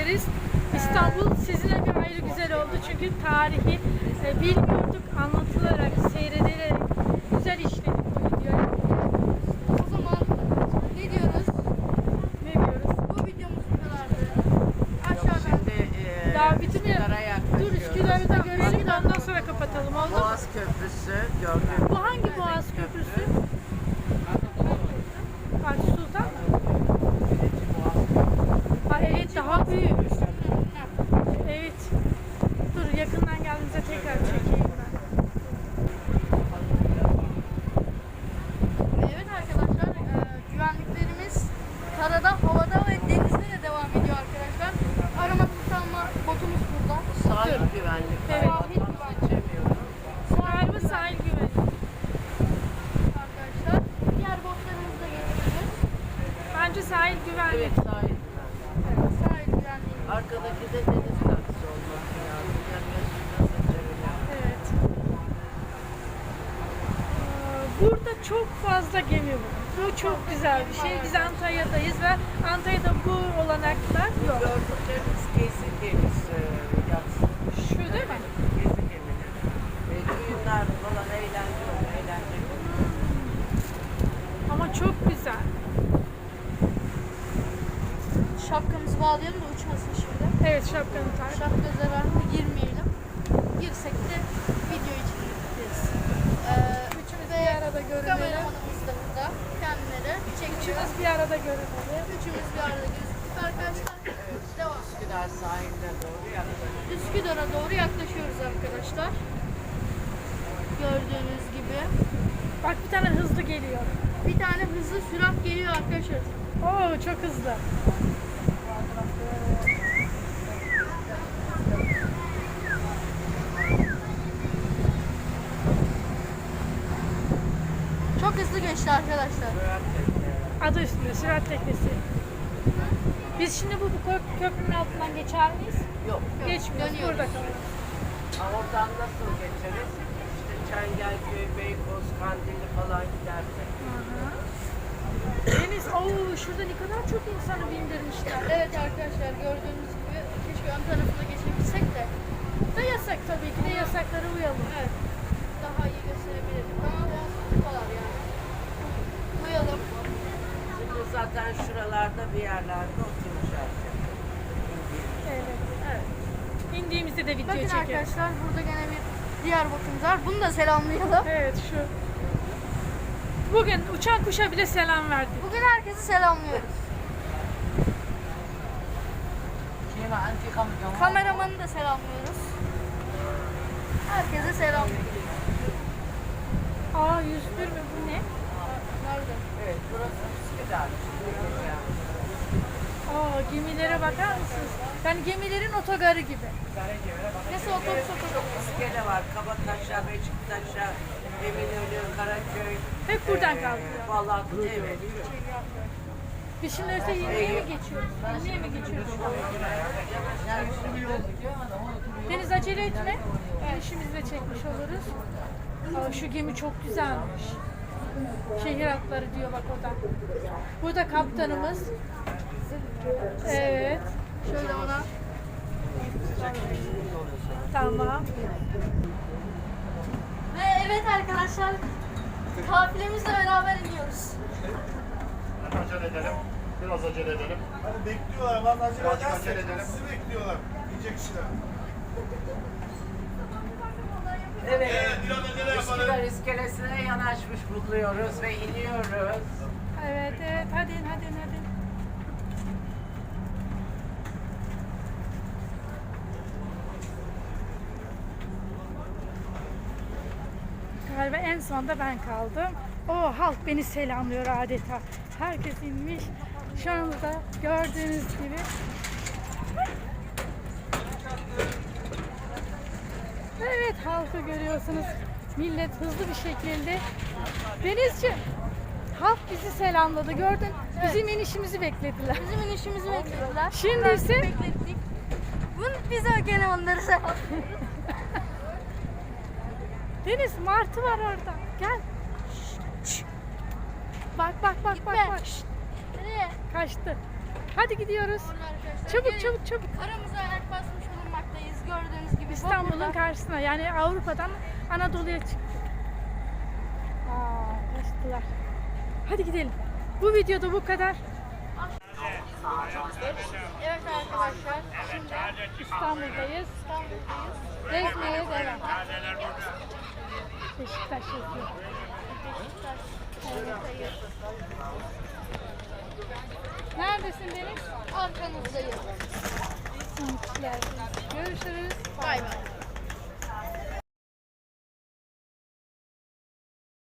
ederiz. İstanbul sizinle bir ayrı güzel oldu çünkü tarihi bilmiyorduk, anlatılarak, seyredilerek güzel işledik bu videoyu. O zaman ne diyoruz? Ne diyoruz? Bu videomuz bu kadardı. Aşağıdan. Daha bitirmeyelim. Dur Üsküdar'ı da görelim de ondan sonra kapatalım. Oldu mu? Boğaz Köprüsü gördüm. Bu hangi Boğaz Köprüsü? Fatih Sultan mı? Ha, evet daha büyük. Evet. Dur yakından geldiğinizde tekrar çekeyim ben. Evet arkadaşlar, güvenliklerimiz karada, havada ve denizde de devam ediyor arkadaşlar. Arama kurtarma botumuz burada. Sahil güvenlik. Evet. Sahil güvenlik Geçemiyorum. Galiba sahil güvenlik. arkadaşlar. Diğer botlarımızı da geçeceğiz. Bence sahil güvenlik. Evet sahil güvenlik. Sahil güvenliği. Arkadaki de deniz taksi olması lazım. Yani yaşında seçebilirim. Evet. Burada çok fazla gemi var. Bu çok güzel bir şey. Biz Antalya'dayız ve Antalya'da bu olanaklar yok. Gördüklerimiz gezi gemisi yatsın. Şu değil mi? Gezi gemileri. Düğünler falan eğlence olur. Eğlence olur. Ama çok güzel. Şapkamızı bağlayalım da uçmasın şimdi. Evet şapkanı tak. Şapka zararına girmeyelim. Girsek de video için gideriz. Üçümüz bir arada görünelim. Kameramanımız da burada. Kendileri çekiyor. Üçümüz bir arada görünelim. Üçümüz bir arada gözüküyor arkadaşlar. Devam. Üsküdar sahiline doğru yaklaşık. Üsküdar'a doğru yaklaşıyoruz arkadaşlar. Gördüğünüz gibi. Bak bir tane hızlı geliyor. Bir tane hızlı sürat geliyor arkadaşlar. Oo çok hızlı. Çok hızlı geçti arkadaşlar. Adı üstünde sürat teknesi. Biz şimdi bu köprünün altından geçer miyiz? Yok. Geçmiyoruz. dönüyoruz. Burada kalıyoruz. Oradan nasıl geçeriz? İşte Çengelköy, Beykoz, Kandilli falan gidersek. Deniz, ooo şurada ne kadar çok insanı bindirmişler. Evet arkadaşlar gördüğünüz gibi keşke ön tarafına geçebilsek de. Da yasak tabii ki de yasaklara uyalım. Evet. Daha iyi gösterebilirdik ama biraz tutuyorlar yani. Uyalım. Şimdi zaten şuralarda bir yerlerde oturacağız. Evet. Evet. İndiğimizde de video Bakın çekelim. arkadaşlar burada gene bir diğer botumuz var. Bunu da selamlayalım. Evet şu. Bugün uçan kuşa bile selam verdik. Bugün herkesi selamlıyoruz. Kameramanı da selamlıyoruz. Herkese selamlıyoruz. Aa 101 mi bu ne? Nerede? Evet, burası Üsküdar. Aa gemilere bakar mısınız? Yani gemilerin otogarı gibi. Nasıl otobüs İskele var. Kabataş'a, Beşiktaş'a, Eminönü, Karaköy. Hep buradan kalkıyor. Vallahi evet. Biz şimdi öte yemeğe mi geçiyoruz? Yemeğe mi geçiyoruz? Deniz acele etme. İşimizi de çekmiş oluruz. Aa, şu gemi çok güzelmiş. Şehir atları diyor bak orada. Burada kaptanımız. Evet. Şöyle ona. Tamam. Ve evet arkadaşlar kafilemizle beraber iniyoruz. Acele edelim. Biraz acele edelim. Hani bekliyorlar, vallahi acele Birazcık edersek acele edelim. sizi bekliyorlar. Yiyecek kişiler. Evet. Biraz acele Üsküdar yapalım. iskelesine yanaşmış buluyoruz ve iniyoruz. Evet evet hadi hadi hadi. Galiba en sonda ben kaldım. O halk beni selamlıyor adeta. Herkes inmiş. Şu anda gördüğünüz gibi. Evet halkı görüyorsunuz. Millet hızlı bir şekilde. Denizciğim, halk bizi selamladı. Gördün, bizim inişimizi beklediler. Bizim inişimizi beklediler. Şimdi Biraz ise- beklettik. Biz de gene onları selamlıyoruz. Deniz martı var orada. Gel. Şşt. Bak bak bak bak Gitme. bak. Şşt. Nereye? Kaçtı. Hadi gidiyoruz. Orada arkadaşlar. Çabuk Gelin. çabuk çabuk. Aramıza ayak basmış bulunmaktayız. Gördüğünüz gibi. İstanbul'un Bozkurt'ta. karşısına yani Avrupa'dan Anadolu'ya çıktık. Kaçtılar. Hadi gidelim. Bu videoda bu kadar. Evet arkadaşlar. Şimdi İstanbul'dayız. İstanbul'dayız. Gezmeye devam. Beşiktaş yazıyor. Beşiktaş. Ortadayız. Neredesin Deniz? Arkanızdayız. Görüşürüz. Bay bay.